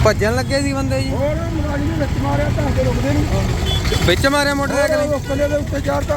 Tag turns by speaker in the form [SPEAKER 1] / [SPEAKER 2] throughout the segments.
[SPEAKER 1] ਭੱਜਣ ਲੱਗੇ ਸੀ ਬੰਦੇ ਜੀ।
[SPEAKER 2] ਹੋਰ ਮੁਲਾਜ਼ਮ ਨੇ ਵਿੱਚ ਮਾਰਿਆ ਤਾਂ ਕੇ ਰੁਕਦੇ ਨਹੀਂ।
[SPEAKER 1] ਵਿੱਚ ਮਾਰਿਆ ਮੋਟਰਸਾਈਕਲ
[SPEAKER 2] ਉਸਲੇ ਦੇ ਉੱਤੇ ਚੜ੍ਹਤਾ।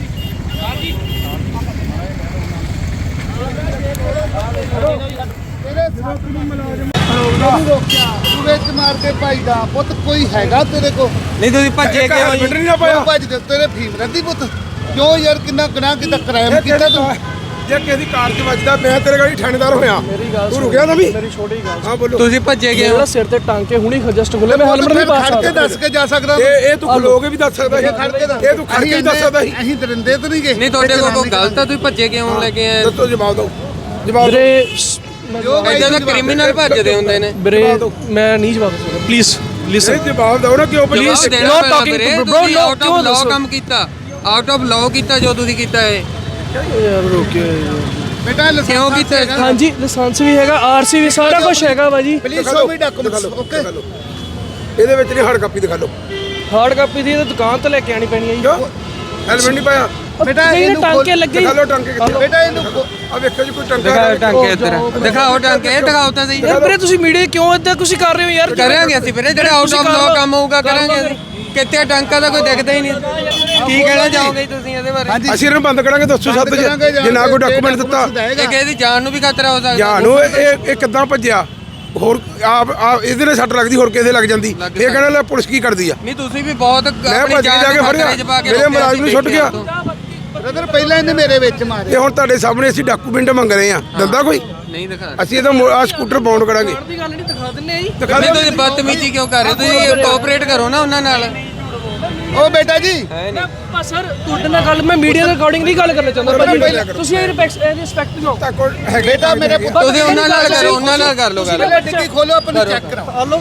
[SPEAKER 2] ਤੇਰੇ ਸਾਥ ਨੂੰ ਮੁਲਾਜ਼ਮ ਰੋਕਿਆ ਤੂੰ ਵਿੱਚ ਮਾਰ ਕੇ ਭਾਈਦਾ ਪੁੱਤ ਕੋਈ ਹੈਗਾ ਤੇਰੇ ਕੋ
[SPEAKER 1] ਨਹੀਂ ਤੁਸੀਂ ਭੱਜੇ ਕਿਉਂ ਜੀ?
[SPEAKER 2] ਨਹੀਂ ਨਾ ਪਾਇਆ ਭੱਜ ਕੇ ਤੇਰੇ ਫੀਮ ਰਹਿੰਦੀ ਪੁੱਤ ਕਿਉਂ ਯਾਰ ਕਿੰਨਾ ਗੁਨਾਹ ਕੀਤਾ ਕ੍ਰਾਈਮ ਕੀਤਾ ਤੂੰ ਜੇ ਕਿਸੇ ਦੀ ਕਾਰ 'ਚ ਵੱਜਦਾ ਮੈਂ ਤੇਰੇ ਗਾੜੀ ਥਾਣੇਦਾਰ ਹੋਇਆ ਤੂੰ ਰੁਕਿਆ ਨਾ ਵੀ
[SPEAKER 3] ਮੇਰੀ ਛੋਟੀ ਗੱਲ
[SPEAKER 1] ਹਾਂ ਬੋਲੋ ਤੁਸੀਂ ਭੱਜੇ ਕਿਉਂ?
[SPEAKER 3] ਮੇਰਾ ਸਿਰ ਤੇ ਟਾਂਕੇ ਹੁਣੀ ਜਸਟ ਖੁੱਲੇ ਮੈਂ ਹੈਲਮਟ ਨਹੀਂ ਪਾ
[SPEAKER 2] ਖੜ ਕੇ ਦੱਸ ਕੇ ਜਾ ਸਕਦਾ
[SPEAKER 1] ਇਹ ਤੂੰ ਖਲੋ ਕੇ ਵੀ ਦੱਸ ਸਕਦਾ ਸੀ। ਇਹ ਤੂੰ ਖੜ ਕੇ ਵੀ ਦੱਸ ਸਕਦਾ ਸੀ।
[SPEAKER 2] ਅਸੀਂ ਦਰਿੰਦੇ ਤਾਂ ਨਹੀਂ ਗਏ
[SPEAKER 1] ਨਹੀਂ ਤੁਹਾਡੇ ਕੋਲ ਕੋਈ ਗਲਤ ਆ ਤੁਸੀਂ ਭੱਜੇ ਕਿਉਂ ਲੈ ਕੇ ਆਏ?
[SPEAKER 2] ਦੱਸੋ ਜਵਾਬ ਦਿਓ ਜਵਾਬ
[SPEAKER 3] ਵੀਰੇ
[SPEAKER 1] ਇਦਾਂ ਦਾ ਕ੍ਰਿਮੀਨਲ ਭੱਜਦੇ ਹੁੰਦੇ ਨੇ।
[SPEAKER 3] ਵੀਰੇ ਮੈਂ ਨਹੀਂ ਜਵਾਬ ਦੇ ਸਕਦਾ ਪਲੀਜ਼ ਲਿਸਨ
[SPEAKER 2] ਨਹੀਂ ਜਵਾਬ ਦਿਓ ਨਾ ਕਿਉਂ
[SPEAKER 1] please
[SPEAKER 3] Please, not talking to bro, no,
[SPEAKER 1] out
[SPEAKER 3] ਕਿਉਂ
[SPEAKER 1] ਆਫ ਲਾਅ
[SPEAKER 3] ਦੱਸੋ?
[SPEAKER 1] ਕੰਮ ਕੀਤਾ, ਆਊਟ ਆਫ ਲਾਅ ਕੀਤਾ ਜੋ ਤੁਸੀਂ ਕੀਤਾ ਹੈ।
[SPEAKER 3] ਯਾਰ ਰੋਕਿਓ
[SPEAKER 2] ਬੇਟਾ
[SPEAKER 1] ਕਿਉਂ ਕੀਤਾ?
[SPEAKER 3] ਹਾਂਜੀ ਲਾਇਸੈਂਸ ਵੀ ਹੈਗਾ ਆਰਸੀ ਵੀ ਸਾਰਾ ਕੁਝ ਹੈਗਾ ਭਾਜੀ।
[SPEAKER 2] Please show me documents okay ਇਹਦੇ ਵਿੱਚ ਨਹੀਂ ਹਾਰਡ ਕਾਪੀ ਦਿਖਾ ਲਓ
[SPEAKER 3] ਹਾਰਡ ਕਾਪੀ ਦੀ ਤਾਂ ਦੁਕਾਨ ਤੋਂ ਲੈ ਕੇ ਆਣੀ ਪੈਣੀ ਹੈ ਜੀ।
[SPEAKER 2] ਕਿਉਂ ਹੈਲਮਟ ਨਹੀਂ ਪਾਇਆ
[SPEAKER 3] ਬੇਟਾ ਇਹਨੂੰ ਟਾਂਕੇ ਲੱਗੇ
[SPEAKER 2] ਦਿਖਾ ਲਓ ਟਾਂਕੇ ਕਿੱਥੇ ਬੇਟਾ ਇਹਨੂੰ ਆ ਵੇਖੋ ਜੀ ਕੋਈ ਟਾਂਕਾ
[SPEAKER 1] ਦਿਖਾਓ ਟਾਂਕੇ ਇੱਧਰ, ਦਿਖਾਓ ਟਾਂਕੇ, ਇਹ ਦਿਖਾਓ ਤਾਂ ਸਹੀ।
[SPEAKER 3] ਯਾਰ ਵੀਰੇ ਤੁਸੀਂ ਮੀਡੀਆ ਕਿਉਂ ਇਦਾਂ ਤੁਸੀਂ ਕਰ ਰਹੇ ਹੋ ਯਾਰ?
[SPEAKER 1] ਕਰਾਂਗੇ ਅਸੀਂ ਵੀਰੇ, ਜਿਹੜਾ ਆਊਟ ਆਫ ਲਾਅ ਕੰਮ ਹੋਊਗਾ ਕਰਾਂਗੇ ਅਸੀਂ। ਕਿਤੇ ਟਾਂਕਾ ਦਾ ਕੋਈ ਦਿਖਦਾ ਹੀ ਨਹੀਂ। ਕੀ ਕਹਿਣਾ ਚਾਹੋਗੇ ਤੁਸੀਂ ਇਹਦੇ ਬਾਰੇ?
[SPEAKER 2] ਅਸੀਂ ਇਹਨੂੰ ਬੰਦ ਕਰਾਂਗੇ ਦੱਸੋ ਸੱਤ ਜੇ ਨਾ ਕੋਈ ਡਾਕੂਮੈਂਟ ਦਿੱਤਾ
[SPEAKER 1] ਇਹ ਕਿਸੇ ਦੀ ਜਾਨ ਨੂੰ ਵੀ ਖਤਰਾ ਹੋ ਸਕਦਾ।
[SPEAKER 2] ਜਾਨ ਨੂੰ ਇਹ ਕਿੱਦਾਂ ਭੱਜਿਆ ਹੋਰ ਆਪ ਇਹਦੇ ਨਾਲ ਸੱਟ ਲੱਗਦੀ ਹੋਰ ਕਿਸੇ ਲੱਗ ਜਾਂਦੀ ਇਹ ਕਹਿੰਦਾ ਲੈ ਪੁਲਿਸ ਕੀ ਕਰਦੀ ਆ
[SPEAKER 1] ਨਹੀਂ ਤੁਸੀਂ ਵੀ ਬਹੁਤ
[SPEAKER 2] ਮੈਂ ਭੱਜ ਕੇ ਜਾ ਕੇ ਫੜਿਆ ਮੇਰੇ ਮੁਲਾਜ਼ਮ ਨੂੰ ਛੁੱਟ ਗਿਆ ਬ੍ਰਦਰ ਪਹਿਲਾਂ ਇਹਨੇ ਮੇਰੇ ਵਿੱਚ ਮਾਰੇ ਇਹ ਹੁਣ ਤੁਹਾਡੇ ਸਾਹਮਣੇ ਅਸੀਂ ਡਾਕੂਮੈਂਟ ਮੰਗ ਰਹੇ ਆ ਦੰਦਾ ਕੋਈ
[SPEAKER 1] ਨਹੀਂ ਦਿਖਾ।
[SPEAKER 2] ਅਸੀਂ ਇਹਦਾ ਆ ਸਕੂਟਰ ਬਾਉਂਡ ਕਰਾਂਗੇ
[SPEAKER 3] ਦੀ ਗੱਲ ਨਹੀਂ ਦਿਖਾ ਦਿੰਨੇ ਆ ਜੀ।
[SPEAKER 2] ਦਿਖਾ
[SPEAKER 1] ਨਹੀਂ ਤੁਸੀਂ ਬਦਤਮੀਜ਼ੀ ਕਿਉਂ ਕਰ ਰਹੇ ਹੋ? ਤੁਸੀਂ ਕੋਆਪਰੇਟ ਕਰੋ ਨਾ ਉਹਨਾਂ ਨਾਲ।
[SPEAKER 2] ਉਹ ਬੇਟਾ ਜੀ
[SPEAKER 3] ਪਰ ਸਰ ਤੁਹਾਡੇ ਨਾਲ ਗੱਲ ਮੈਂ ਮੀਡੀਆ ਦੇ ਅਕੋਰਡਿੰਗ ਨਹੀਂ ਗੱਲ ਕਰਨਾ ਚਾਹੁੰਦਾ ਭਾਜੀ। ਤੁਸੀਂ ਇਹ ਰਿਸਪੈਕਟ ਦਿਓ।
[SPEAKER 2] ਬੇਟਾ ਮੇਰੇ
[SPEAKER 1] ਤੁਸੀਂ ਉਹਨਾਂ ਨਾਲ ਕਰੋ, ਉਹਨਾਂ ਨਾਲ ਕਰ ਲਓ ਗੱਲ।
[SPEAKER 2] ਟਿੱਕੀ ਖੋਲੋ ਆਪਣੀ ਚੈੱਕ ਕਰਾਓ
[SPEAKER 3] ਹਲੋ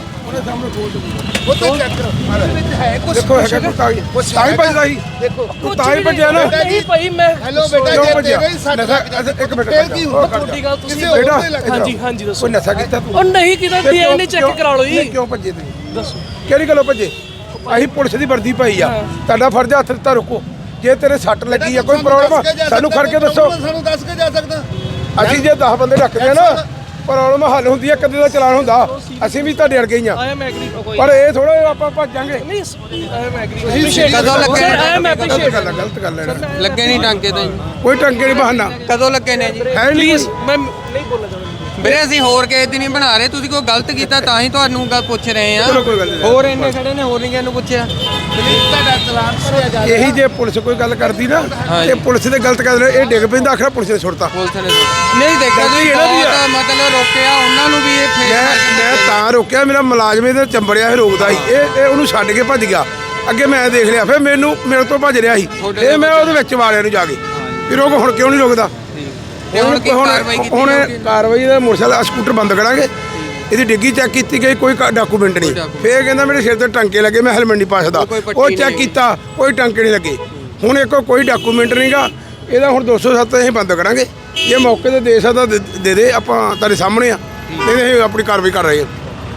[SPEAKER 2] ਉਹ ਤੋਂ ਚੈੱਕ ਕਰੋ ਵਿੱਚ ਹੈ ਕੁਝ ਦੇਖੋ ਹੈਗਾ ਕੋਈ ਕਾਗਜ਼ ਤਾਂ ਹੀ ਭੱਜਦਾ ਸੀ ਦੇਖੋ ਤਾਂ ਹੀ ਭੱਜਿਆ ਨਾ
[SPEAKER 3] ਨਹੀਂ ਭਾਈ ਮੈਂ
[SPEAKER 2] ਹੈਲੋ ਬੇਟਾ ਜੇ ਤੇਰੇ ਹੀ ਸੱਟ ਇੱਕ ਮਿੰਟ
[SPEAKER 3] ਕੀ ਹੁੰਦਾ ਤੁਹਾਡੀ ਗੱਲ ਤੁਸੀਂ
[SPEAKER 2] ਬੇਟਾ
[SPEAKER 3] ਹਾਂਜੀ ਹਾਂਜੀ ਦੱਸੋ।
[SPEAKER 2] ਕੋਈ ਨਸ਼ਾ ਕੀਤਾ ਤੂੰ
[SPEAKER 3] ਉਹ ਨਹੀਂ ਕੀਤਾ ਡੀਐਨਏ ਚੈੱਕ ਕਰਾ ਲਓ ਜੀ।
[SPEAKER 2] ਕਿਉਂ ਭੱਜੇ ਤੁਸੀਂ
[SPEAKER 3] ਦੱਸੋ
[SPEAKER 2] ਕਿਹੜੀ ਗੱਲੋਂ ਭੱਜੇ ਅਸੀਂ ਪੁਲਿਸ ਦੀ ਵਰਦੀ ਪਾਈ ਆ ਤੁਹਾਡਾ ਫਰਜ਼ ਹੱਥ ਦਿੱਤਾ ਰੁਕੋ ਜੇ ਤੇਰੇ ਸੱਟ ਲੱਗੀ ਆ ਕੋਈ ਪ੍ਰੋਬਲਮ ਸਾਨੂੰ ਖੜ ਕੇ ਦੱਸੋ
[SPEAKER 4] ਸਾਨੂੰ ਦੱਸ ਕੇ ਜਾ ਸਕਦਾ
[SPEAKER 2] ਅਸੀਂ ਜੇ 10 ਬੰਦੇ ਰੱਖਦੇ ਆ ਨਾ ਪ੍ਰੋਬਲਮ ਹੱਲ ਹੁੰਦੀ ਆ ਕਦੇ ਦਾ ਚਲਾਨ ਹੁੰਦਾ ਅਸੀਂ ਵੀ ਤੁਹਾਡੇ ਅੜ ਗਈਆਂ
[SPEAKER 3] ਆਈ ਐਮ ਐਗਰੀ ਕੋਈ
[SPEAKER 2] ਪਰ ਇਹ ਥੋੜਾ ਆਪਾਂ ਭੱਜਾਂਗੇ
[SPEAKER 3] ਨਹੀਂ ਆਈ ਐਮ ਐਗਰੀ
[SPEAKER 1] ਕਦੋਂ ਲੱਗੇ?
[SPEAKER 3] ਆਈ ਐਮ ਐਪਰੀਸ਼ੀਏਟ
[SPEAKER 2] ਗਲਤ ਗੱਲ ਹੈ
[SPEAKER 1] ਲੱਗੇ ਨਹੀਂ ਟਾਂਕੇ ਤਾਂ ਜੀ।
[SPEAKER 2] ਕੋਈ ਟੰਗੇ ਨਹੀਂ ਬਹਾਨਾ
[SPEAKER 1] ਕਦੋਂ ਲੱਗੇ ਨੇ ਜੀ?
[SPEAKER 2] ਹੈ ਨਹੀਂ
[SPEAKER 3] ਪਲੀਜ਼ ਮੈਂ ਨਹੀਂ ਬੋਲਣਾ ਚਾਹੁੰਦਾ।
[SPEAKER 1] ਵੀਰੇ ਅਸੀਂ ਹੋਰ ਕਿਸੇ ਦੀ ਨਹੀਂ ਬਣਾ ਰਹੇ, ਤੁਸੀਂ ਕੋਈ ਗਲਤ ਕੀਤਾ ਤਾਂ ਹੀ ਤੁਹਾਨੂੰ ਗੱਲ ਪੁੱਛ ਰਹੇ ਆ।
[SPEAKER 2] ਚਲੋ ਕੋਈ ਗੱਲ ਨਹੀਂ।
[SPEAKER 1] ਹੋਰ ਇੰਨੇ ਖੜੇ ਨੇ, ਹੋਰ ਨਹੀਂ ਕਿਸੇ ਨੂੰ ਪੁੱਛਿਆ।
[SPEAKER 4] ਤੁਹਾਡਾ ਚਲਾਨ ਭਰਿਆ ਜਾ
[SPEAKER 2] ਇਹੀ ਜੇ ਪੁਲਿਸ ਕੋਈ ਗੱਲ ਕਰਦੀ ਨਾ
[SPEAKER 1] ਹਾਂਜੀ।
[SPEAKER 2] ਇਹ ਪੁਲਿਸ ਦੇ ਗਲਤ ਕਰਦੇ ਇਹ ਡਿੱਗ ਪੈਂਦਾ ਆਖਰ ਪੁਲਿਸ ਨੇ ਛੁੱਟਤਾ
[SPEAKER 1] ਪੁਲਿਸ ਨੇ ਨਹੀਂ ਦੇਖਿਆ ਤੁਸੀਂ
[SPEAKER 2] ਇਹਨਾਂ ਦੀ ਆ।
[SPEAKER 1] ਬਹੁਤ ਮਤਲਬ ਰੋਕਿਆ ਉਹਨਾਂ ਨੂੰ ਵੀ ਇਹ
[SPEAKER 2] ਮੈਂ ਤਾਂ ਰੋਕਿਆ ਮੇਰਾ ਮੁਲਾਜ਼ਮ ਇਹਦੇ ਚੰਬੜਿਆ ਸੀ ਰੋਕਦਾ ਸੀ ਇਹ ਉਹਨੂੰ ਛੱਡ ਕੇ ਭੱਜ ਗਿਆ ਅੱਗੇ ਮੈਂ ਦੇਖ ਲਿਆ ਫਿਰ ਮੇਰੇ ਤੋਂ ਭੱਜ ਰਿਹਾ ਸੀ ਇਹ ਮੈਂ ਉਹਦੇ ਵਿੱਚ ਵਾਲਿਆਂ ਨੂੰ ਜਾ ਕੇ ਵੀ ਰੋਕ ਹੁਣ ਕਿਉਂ ਨਹੀਂ ਰੁਕਦਾ
[SPEAKER 1] ਹੁਣ ਕੀ ਕਾਰਵਾਈ ਕੀਤੀ
[SPEAKER 2] ਹੁਣ
[SPEAKER 1] ਜਾਊਗੀ?
[SPEAKER 2] ਕਾਰਵਾਈ ਦਾ ਮੋਟਰਸਾਈਕਲ ਸਕੂਟਰ ਬੰਦ ਕਰਾਂਗੇ ਇਹਦੀ ਡਿੱਗੀ ਚੈੱਕ ਕੀਤੀ ਗਈ ਕੋਈ ਡਾਕੂਮੈਂਟ ਨਹੀਂ ਫੇਰ ਕਹਿੰਦਾ ਮੇਰੇ ਸਿਰ ਤੇ ਟਾਂਕੇ ਲੱਗੇ ਮੈਂ ਹੈਲਮਟ ਨਹੀਂ ਪਾ ਸਕਦਾ ਉਹ ਚੈੱਕ ਕੀਤਾ ਕੋਈ ਟਾਂਕੇ ਨਹੀਂ ਲੱਗੇ ਹੁਣ ਇੱਕ ਕੋਈ ਡਾਕੂਮੈਂਟ ਨਹੀਂਗਾ ਇਹਦਾ ਹੁਣ 207 ਅਸੀਂ ਬੰਦ ਕਰਾਂਗੇ ਜੇ ਮੌਕੇ ਤੇ ਦੇ ਸਕਦਾ ਦੇ ਦੇ ਆਪਾਂ ਤੁਹਾਡੇ ਸਾਹਮਣੇ ਆ ਨਹੀਂ ਅਸੀਂ ਆਪਣੀ ਕਾਰਵਾਈ ਕਰ ਰਹੇ ਹਾਂ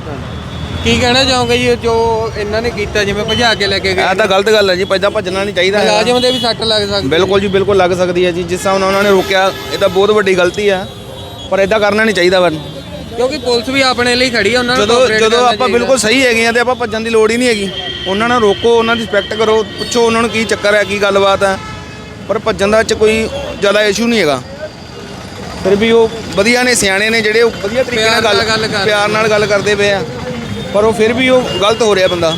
[SPEAKER 1] ਕੀ ਕਹਿਣਾ ਚਾਹੋਗੇ ਜੀ ਜੋ ਇਹਨਾਂ ਨੇ ਕੀਤਾ ਜਿਵੇਂ ਭਜਾ ਕੇ ਲੈ ਕੇ ਗਏ?
[SPEAKER 5] ਇਹ ਤਾਂ ਗਲਤ ਗੱਲ ਹੈ ਜੀ ਪੈਦਾ ਭੱਜਣਾ ਨਹੀਂ ਚਾਹੀਦਾ ਹੈਗਾ।
[SPEAKER 1] ਮੁਲਾਜ਼ਮ ਦੇ ਵੀ ਸੱਟ ਲੱਗ ਸਕਦੀ।
[SPEAKER 5] ਬਿਲਕੁਲ ਜੀ ਬਿਲਕੁਲ ਲੱਗ ਸਕਦੀ ਹੈ ਜੀ ਜਿਸ ਤਰ੍ਹਾਂ ਉਹਨਾਂ ਨੇ ਰੋਕਿਆ ਇਹ ਤਾਂ ਬਹੁਤ ਵੱਡੀ ਗਲਤੀ ਆ ਪਰ ਇਦਾਂ ਕਰਨਾ ਨਹੀਂ ਚਾਹੀਦਾ ਵਾ
[SPEAKER 1] ਕਿਉਂਕਿ ਪੁਲਿਸ ਵੀ ਆਪਣੇ ਲਈ ਖੜੀ ਆ, ਉਹਨਾਂ ਨੂੰ cooperate
[SPEAKER 5] ਜਦੋਂ
[SPEAKER 1] ਕਰਨਾ
[SPEAKER 5] ਆਪਾਂ
[SPEAKER 1] ਚਾਹੀਦਾ।
[SPEAKER 5] ਬਿਲਕੁਲ ਸਹੀ ਹੈਗੇ ਆ ਤੇ ਆਪਾਂ ਭੱਜਣ ਦੀ ਲੋੜ ਹੀ ਨਹੀਂ ਹੈਗੀ ਉਹਨਾਂ ਨਾਲ ਰੋਕੋ ਉਹਨਾਂ ਦੀ ਰਿਸਪੈਕਟ ਕਰੋ ਪੁੱਛੋ ਉਹਨਾਂ ਨੂੰ ਕੀ ਚੱਕਰ ਹੈ ਕੀ ਗੱਲਬਾਤ ਹੈ ਪਰ ਭੱਜਣ ਦਾ ਚ ਕੋਈ ਜ਼ਿਆਦਾ ਇਸ਼ੂ ਨਹੀਂ ਹੈਗਾ ਫਿਰ ਵੀ ਉਹ ਵਧੀਆ ਨੇ ਸਿਆਣੇ ਨੇ ਜਿਹੜੇ ਉਹ ਵਧੀਆ ਤਰੀਕੇ ਨਾਲ ਪਿਆਰ ਨਾਲ ਗੱਲ ਕਰਦੇ ਪਏ ਆ ਪਰ ਉਹ ਫਿਰ ਵੀ ਉਹ ਗਲਤ ਹੋ ਰਿਹਾ ਬੰਦਾ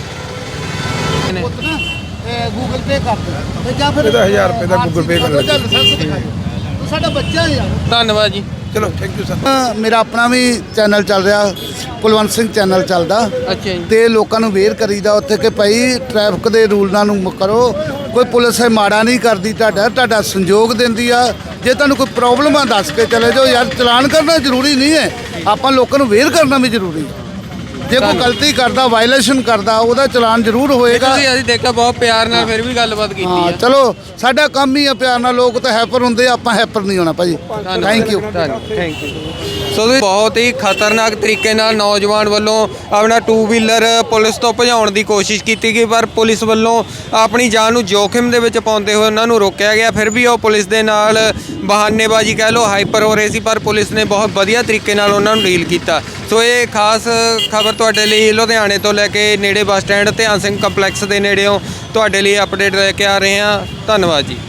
[SPEAKER 4] ਗੂਗਲ ਪੇ ਕਰ ਦੇ ਜਾਂ ਫਿਰ
[SPEAKER 2] ਇਹਦਾ 1000 ਰੁਪਏ ਦਾ ਗੂਗਲ ਪੇ ਕਰ ਲੈ
[SPEAKER 4] ਤੂੰ ਸਾਡਾ ਬੱਚਾ ਯਾਰ
[SPEAKER 1] ਧੰਨਵਾਦ ਜੀ।
[SPEAKER 2] ਚਲੋ ਥੈਂਕ ਯੂ ਸਰ
[SPEAKER 4] ਮੇਰਾ ਆਪਣਾ ਵੀ ਚੈਨਲ ਚੱਲ ਰਿਹਾ ਕੁਲਵੰਤ ਸਿੰਘ ਚੈਨਲ ਚੱਲਦਾ
[SPEAKER 1] ਅੱਛਾ ਜੀ।
[SPEAKER 4] ਤੇ ਲੋਕਾਂ ਨੂੰ ਅਵੇਅਰ ਕਰੀਦਾ ਉੱਥੇ ਕਿ ਭਾਈ ਟ੍ਰੈਫਿਕ ਦੇ ਰੂਲਾਂ ਨੂੰ ਕਰੋ ਕੋਈ ਪੁਲਿਸ ਹੈ ਮਾੜਾ ਨਹੀਂ ਕਰਦੀ ਤੁਹਾਡਾ ਸੰਯੋਗ ਦਿੰਦੀ ਆ ਜੇ ਤੁਹਾਨੂੰ ਕੋਈ ਪ੍ਰੋਬਲਮ ਆ ਦੱਸ ਕੇ ਚਲੇ ਜਾਓ ਯਾਰ ਚਲਾਨ ਕਰਨਾ ਜ਼ਰੂਰੀ ਨਹੀਂ ਹੈ ਆਪਾਂ ਲੋਕਾਂ ਨੂੰ ਅਵੇਅਰ ਕਰਨਾ ਵੀ ਜ਼ਰੂਰੀ ਹੈ ਜੇ ਕੋਈ ਗਲਤੀ ਕਰਦਾ ਵਾਇਲੇਸ਼ਨ ਕਰਦਾ ਉਹਦਾ ਚਲਾਨ ਜ਼ਰੂਰ ਹੋਏਗਾ
[SPEAKER 1] ਤੁਸੀਂ ਅਸੀਂ ਦੇਖਿਆ ਬਹੁਤ ਪਿਆਰ ਨਾਲ ਫਿਰ ਵੀ ਗੱਲਬਾਤ ਕੀਤੀ
[SPEAKER 4] ਹਾਂ
[SPEAKER 1] ਆ।
[SPEAKER 4] ਚਲੋ ਸਾਡਾ ਕੰਮ ਹੀ ਆ ਪਿਆਰ ਨਾਲ ਲੋਕ ਤਾਂ ਹੈਪਰ ਹੁੰਦੇ ਆ, ਆਪਾਂ ਹੈਪਰ ਨਹੀਂ ਹੋਣਾ ਭਾਜੀ thank you
[SPEAKER 1] thank you. So ਤੁਸੀਂ ਬਹੁਤ ਹੀ ਖਤਰਨਾਕ ਤਰੀਕੇ ਨਾਲ ਨੌਜਵਾਨ ਵੱਲੋਂ ਆਪਣਾ 2 ਵੀਲਰ ਪੁਲਿਸ ਤੋਂ ਭਜਾਉਣ ਦੀ ਕੋਸ਼ਿਸ਼ ਕੀਤੀ ਗਈ ਪਰ ਪੁਲਿਸ ਵੱਲੋਂ ਆਪਣੀ ਜਾਨ ਨੂੰ ਜੋਖਿਮ ਦੇ ਵਿੱਚ ਪਾਉਂਦੇ ਹੋਏ ਉਹਨਾਂ ਨੂੰ ਰੋਕਿਆ ਗਿਆ ਫਿਰ ਵੀ ਉਹ ਪੁਲਿਸ ਦੇ ਨਾਲ ਬਹਾਨੇਬਾਜ਼ੀ ਕਹਿ ਲਓ, ਹਾਈਪਰ ਹੋ ਰਹੇ ਸੀ, ਪਰ ਪੁਲਿਸ ਨੇ ਬਹੁਤ ਵਧੀਆ ਤਰੀਕੇ ਨਾਲ ਉਹਨਾਂ ਨੂੰ ਡੀਲ ਕੀਤਾ। ਸੋ ਇਹ ਖਾਸ ਖਬਰ ਤੁਹਾਡੇ ਲਈ ਲੁਧਿਆਣੇ ਤੋਂ ਲੈ ਕੇ ਨੇੜੇ ਬੱਸ ਸਟੈਂਡ ਧਿਆਨ ਸਿੰਘ ਕੰਪਲੈਕਸ ਦੇ ਨੇੜਿਓਂ ਤੁਹਾਡੇ ਲਈ ਅਪਡੇਟ ਲੈ ਕੇ ਆ ਰਹੇ ਹਾਂ। ਧੰਨਵਾਦ ਜੀ।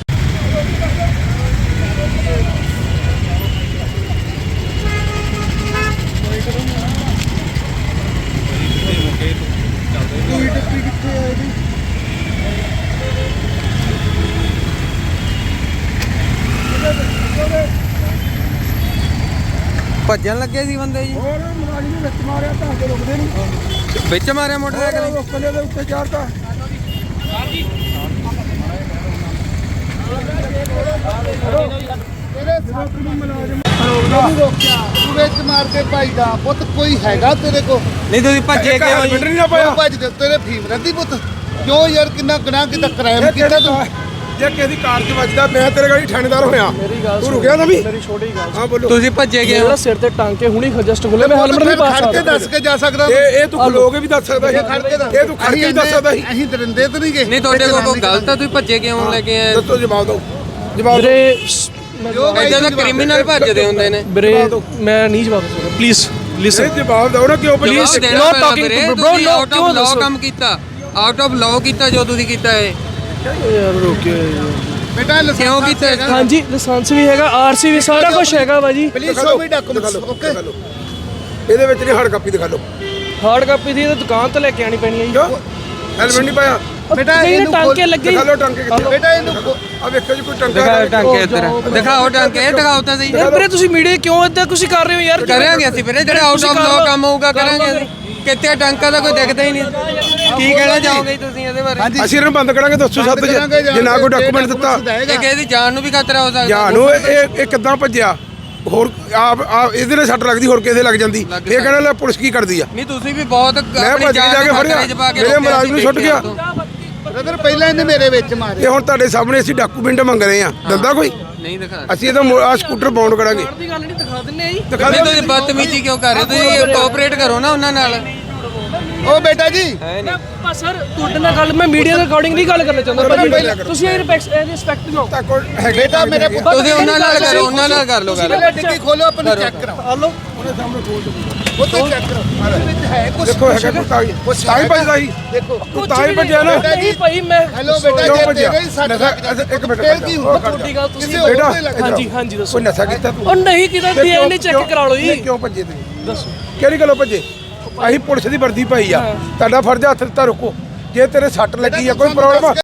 [SPEAKER 1] ਭੱਜਣ ਲੱਗੇ ਸੀ ਬੰਦੇ ਜੀ,
[SPEAKER 2] ਹੋਰ ਮੁਲਾਜ਼ਮ ਨੇ ਵਿੱਚ ਮਾਰਿਆ ਤਾਂ ਅੱਗੇ ਰੁਕਦੇ ਨਹੀਂ,
[SPEAKER 1] ਵਿੱਚ ਮਾਰਿਆ ਮੋਟਰਸਾਈਕਲ।
[SPEAKER 2] ਰੋਕਲੇ ਦੇ ਉੱਤੇ ਚੜ੍ਹਤਾ।
[SPEAKER 4] ਤੂੰ ਵਿੱਚ ਮਾਰ ਕੇ ਭਾਈਦਾ ਪੁੱਤ ਕੋਈ ਹੈਗਾ ਤੇਰੇ ਕੋ
[SPEAKER 1] ਨਹੀਂ ਤੁਸੀਂ ਭੱਜੇ ਕਿਉਂ
[SPEAKER 2] ਹੈਲਮਟ
[SPEAKER 1] ਜੀ?
[SPEAKER 2] ਨਹੀਂ ਨਾ ਪਾਇਆ।
[SPEAKER 4] ਭੱਜ ਦੇ ਤੇਰੇ ਫੀਮ ਰਹਿੰਦੀ ਪੁੱਤ ਕਿਉਂ ਯਾਰ ਕਿੰਨਾ ਗੁਨਾਹ ਕੀਤਾ ਕ੍ਰਾਈਮ ਕੀਤਾ ਤੂੰ
[SPEAKER 2] ਜੇ ਕਿਸੇ ਦੀ ਕਾਰ 'ਚ ਵੱਜਦਾ, ਮੈਂ ਤੇਰੇ ਗਾੜੀ ਥਾਣੇਦਾਰ ਹੋਇਆ,
[SPEAKER 3] ਮੇਰੀ ਗੱਲ
[SPEAKER 2] ਤੂੰ ਰੁਕਿਆ ਨਾ ਵੀ।
[SPEAKER 3] ਮੇਰੀ ਛੋਟੀ ਗੱਲ
[SPEAKER 2] ਹਾਂ ਬੋਲੋ।
[SPEAKER 1] ਤੁਸੀਂ ਭੱਜੇ
[SPEAKER 3] ਮੇਰਾ
[SPEAKER 1] ਕਿਉਂ?
[SPEAKER 3] ਸਿਰ ਤੇ ਟਾਂਕੇ ਹੁਣੀ ਜਸਟ ਖੁੱਲੇ, ਮੈਂ ਹੈਲਮਟ ਨਹੀਂ ਪਾ
[SPEAKER 4] ਖੜ ਕੇ
[SPEAKER 3] ਸਕਦਾ।
[SPEAKER 4] ਦੱਸ ਕੇ ਜਾ ਸਕਦਾ
[SPEAKER 2] ਇਹ ਤੂੰ ਖਲੋ ਕੇ ਵੀ ਦੱਸ ਸਕਦਾ ਸੀ,
[SPEAKER 4] ਇਹ ਖੜ ਕੇ ਦੱਸ
[SPEAKER 2] ਇਹ ਤੂੰ ਖੜ ਕੇ ਵੀ ਦੱਸ ਸਕਦਾ ਸੀ।
[SPEAKER 4] ਅਸੀਂ ਦਰਿੰਦੇ ਤੇ ਨਹੀਂ ਗਏ
[SPEAKER 1] ਨਹੀਂ ਤੁਹਾਡੇ ਕੋਲ ਕੋਈ ਗਲਤ ਆ, ਤੁਸੀਂ ਭੱਜੇ ਕਿਉਂ ਲੈ ਕੇ ਆਏ?
[SPEAKER 2] ਦੱਸੋ, ਜਵਾਬ ਦਿਓ, ਜਵਾਬ ਦਿਓ।
[SPEAKER 3] ਵੀਰੇ
[SPEAKER 1] ਇਦਾਂ ਦਾ ਕ੍ਰਿਮੀਨਲ ਭੱਜਦੇ ਹੁੰਦੇ ਨੇ।
[SPEAKER 3] ਵੀਰੇ ਮੈਂ ਨਹੀਂ ਜਵਾਬ ਸਕਦਾ, ਪਲੀਜ਼ ਲਿਸਨ।
[SPEAKER 2] ਇਹ ਜਵਾਬ ਦਿਓ ਨਾ, ਕਿਉਂ
[SPEAKER 1] ਜਵਾਬ
[SPEAKER 2] ਪੁਲਿਸ
[SPEAKER 1] ਦੇਣਾ
[SPEAKER 3] not
[SPEAKER 1] ਪੈਣਾ
[SPEAKER 3] talking
[SPEAKER 1] ਵੀਰੇ,
[SPEAKER 3] to- bro,
[SPEAKER 1] ਤੁਸੀਂ
[SPEAKER 3] no,
[SPEAKER 1] out of
[SPEAKER 3] ਕਿਉਂ
[SPEAKER 1] law
[SPEAKER 3] ਦੱਸੋ?
[SPEAKER 1] ਕੰਮ ਕੀਤਾ, ਆਊਟ ਆਫ ਲਾਅ ਕੀਤਾ ਜੋ ਤੁਸੀਂ ਕੀਤਾ ਹੈ।
[SPEAKER 3] ਯਾਰ ਰੋਕਿਓ
[SPEAKER 4] ਬੇਟਾ ਲਾਇਸੈਂਸ
[SPEAKER 1] ਕਿਉਂ ਕੀਤਾ?
[SPEAKER 4] ਹੈਗਾ?
[SPEAKER 3] ਹਾਂਜੀ ਲਾਇਸੈਂਸ ਵੀ ਹੈਗਾ, ਆਰਸੀ ਵੀ ਸਾਰਾ ਕੁਝ ਹੈਗਾ ਬਾਜੀ।
[SPEAKER 4] Please show me documents okay.
[SPEAKER 2] ਇਹਦੇ ਵਿੱਚ ਨਹੀਂ, ਹਾਰਡ ਕਾਪੀ ਦਿਖਾ ਲਓ।
[SPEAKER 3] ਹਾਰਡ ਕਾਪੀ ਦੀ ਤਾਂ ਦੁਕਾਨ ਤੋਂ ਲੈ ਕੇ ਆਣੀ ਪੈਣੀ ਹੈ ਜੀ।
[SPEAKER 2] ਕਿਉਂ ਹੈਲਮਟ ਨਹੀਂ ਪਾਇਆ?
[SPEAKER 4] ਬੇਟਾ
[SPEAKER 3] ਨਹੀਂ
[SPEAKER 4] ਇਹਨੂੰ
[SPEAKER 3] ਟਾਂਕੇ ਲੱਗੇ
[SPEAKER 2] ਦਿਖਾ ਲਓ ਟਾਂਕੇ ਕਿੱਥੇ।
[SPEAKER 4] ਬੇਟਾ ਇਹਨੂੰ
[SPEAKER 2] ਆ ਵੇਖੋ ਜੀ, ਕੋਈ ਟਾਂਕਾ
[SPEAKER 1] ਦਿਖਾਓ
[SPEAKER 2] ਹੈ?
[SPEAKER 1] ਟਾਂਕੇ ਇੱਧਰ, ਦਿਖਾਓ ਟਾਂਕੇ, ਦਿਖਾਓ ਤਾਂ ਸਹੀ।
[SPEAKER 3] ਯਾਰ ਵੀਰੇ ਤੁਸੀਂ ਮੀਡੀਆ ਕਿਉਂ ਇਦਾਂ ਤੁਸੀਂ ਕਰ ਰਹੇ ਹੋ ਯਾਰ?
[SPEAKER 1] ਕਰਾਂਗੇ ਅਸੀਂ ਵੀਰੇ, ਜਿਹੜੇ ਆਊਟ ਆਫ ਲਾਅ ਕੰਮ ਹੋਊਗਾ ਕਰਾਂਗੇ ਅਸੀਂ। ਕਿਤੇ ਟਾਂਕਾ ਦਾ ਕੋਈ ਦਿਖਦਾ ਹੀ ਨਹੀਂ। ਕੀ ਕਹਿਣਾ ਚਾਹੋਗੇ ਤੁਸੀਂ ਇਹਦੇ ਬਾਰੇ?
[SPEAKER 2] ਅਸੀਂ ਇਹਨਾਂ ਨੂੰ ਬੰਦ ਕਰਾਂਗੇ 207 ਜੇ ਨਾ ਕੋਈ ਡਾਕੂਮੈਂਟ ਦਿੱਤਾ।
[SPEAKER 1] ਇਹ ਕਿਸੇ ਦੀ ਜਾਨ ਨੂੰ ਵੀ ਖਤਰਾ ਹੋ ਸਕਦਾ।
[SPEAKER 2] ਜਾਨੂ ਇਹ ਕਿੱਦਾਂ ਭੱਜਿਆ? ਹੋਰ ਆਪ ਇਹਦੇ ਨਾਲ ਸੱਟ ਲੱਗਦੀ, ਹੋਰ ਕਿਸੇ ਲੱਗ ਜਾਂਦੀ।
[SPEAKER 1] ਲੱਗ
[SPEAKER 2] ਇਹ ਕਹਿੰਦਾ ਲੈ ਪੁਲਿਸ ਕੀ ਕਰਦੀ ਆ?
[SPEAKER 1] ਨਹੀਂ ਤੁਸੀਂ ਵੀ ਬਹੁਤ
[SPEAKER 2] ਮੈਂ ਭੱਜ ਕੇ ਜਾ ਕੇ ਫੜਿਆ, ਮੇਰੇ ਮੁਲਾਜ਼ਮ ਨੂੰ ਛੁੱਟ ਗਿਆ।
[SPEAKER 4] ਬ੍ਰਦਰ ਪਹਿਲਾਂ ਇਹਨੇ ਮੇਰੇ ਵਿੱਚ ਮਾਰੇ
[SPEAKER 2] ਇਹ ਹੁਣ ਤੁਹਾਡੇ ਸਾਹਮਣੇ ਅਸੀਂ ਡਾਕੂਮੈਂਟ ਮੰਗ ਰਹੇ ਆ, ਦਿੰਦਾ ਕੋਈ?
[SPEAKER 1] ਨਹੀਂ ਦਿਖਾ।
[SPEAKER 2] ਅਸੀਂ ਇਹਦਾ ਆ ਸਕੂਟਰ ਬਾਉਂਡ ਕਰਾਂਗੇ।
[SPEAKER 3] ਦੀ ਗੱਲ ਨਹੀਂ ਦਿਖਾ ਦਿੰਨੇ ਆ ਜੀ।
[SPEAKER 2] ਦਿਖਾ
[SPEAKER 1] ਨਹੀਂ
[SPEAKER 2] ਦਿਓ।
[SPEAKER 1] ਤੁਸੀਂ ਬਦਤਮੀਜ਼ੀ ਕਿਉਂ ਕਰ ਰਹੇ ਹੋ? ਤੁਸੀਂ ਕੋਆਪਰੇਟ ਕਰੋ ਨਾ ਉਹਨਾਂ ਨਾਲ।
[SPEAKER 4] ਉਹ ਬੇਟਾ ਜੀ
[SPEAKER 3] ਮੈਂ ਸਰ ਤੁਹਾਡੇ ਨਾਲ ਗੱਲ, ਮੈਂ ਮੀਡੀਆ ਦੇ ਅਕੋਰਡਿੰਗ ਨਹੀਂ ਗੱਲ ਕਰਨਾ ਚਾਹੁੰਦਾ ਭਾਜੀ। ਤੁਸੀਂ ਇਹ ਰਿਸਪੈਕਟ ਦਿਓ।
[SPEAKER 2] ਤਾਂ ਕੋਈ ਹੈਗਾ
[SPEAKER 4] ਬੇਟਾ ਮੇਰੇ ਪੁੱਤ
[SPEAKER 1] ਤੁਸੀਂ ਉਹਨਾਂ ਨਾਲ ਕਰੋ, ਉਹਨਾਂ ਨਾਲ ਕਰ ਲਓ ਗੱਲ।
[SPEAKER 4] ਡਿੱਗੀ ਖੋਲੋ ਆਪਣੀ ਚੈੱਕ ਕਰਾਓ
[SPEAKER 3] ਹਲੋ
[SPEAKER 4] ਉਹ ਤਾਂ ਚੈੱਕ ਕਰਾਓ ਇਹਦੇ ਵਿੱਚ ਹੈ ਕੁਝ
[SPEAKER 2] ਦੇਖੋ ਹੈਗਾ ਕੋਈ ਕਾਗਜ਼। ਤਾਂ ਹੀ ਭੱਜਦਾ ਸੀ
[SPEAKER 4] ਦੇਖੋ
[SPEAKER 2] ਤੂੰ, ਤਾਂ ਹੀ ਭੱਜਿਆ ਨਾ।
[SPEAKER 3] ਨਹੀਂ ਭਾਈ ਮੈਂ
[SPEAKER 4] ਹੈਲੋ ਬੇਟਾ
[SPEAKER 2] ਕਿਉਂ
[SPEAKER 4] ਜੇ
[SPEAKER 2] ਭੱਜਿਆ?
[SPEAKER 4] ਤੇਰੇ ਹੀ ਸੱਟ ਲੱਗ
[SPEAKER 2] ਇੱਕ ਮਿੰਟ
[SPEAKER 4] ਫੇਰ ਕੀ ਹੁੰਦਾ
[SPEAKER 3] ਤੁਹਾਡੀ ਗੱਲ ਤੁਸੀਂ
[SPEAKER 4] ਕਿਸੇ ਹੋਰ
[SPEAKER 2] ਬੇਟਾ,
[SPEAKER 4] ਤੇ ਲੱਗ
[SPEAKER 3] ਹਾਂਜੀ ਹਾਂਜੀ ਦੱਸੋ।
[SPEAKER 2] ਕੋਈ ਨਸ਼ਾ ਕੀਤਾ ਤੂੰ?
[SPEAKER 3] ਉਹ ਨਹੀਂ ਕੀਤਾ, ਡੀਐਨਏ ਚੈੱਕ ਕਰਾ ਲਓ ਜੀ।
[SPEAKER 2] ਕਿਉਂ ਭੱਜੇ ਤੁਸੀਂ?
[SPEAKER 3] ਦੱਸੋ
[SPEAKER 2] ਕਿਹੜੀ ਗੱਲੋਂ ਭੱਜੇ? ਅਸੀਂ ਪੁਲਿਸ ਦੀ ਵਰਦੀ ਪਾਈ ਆ, ਤੁਹਾਡਾ ਫਰਜ਼ ਹੱਥ ਦਿੱਤਾ, ਰੁਕੋ। ਜੇ ਤੇਰੇ ਸੱਟ ਲੱਗੀ ਆ, ਕੋਈ ਪ੍ਰੋਬਲਮ ਆ?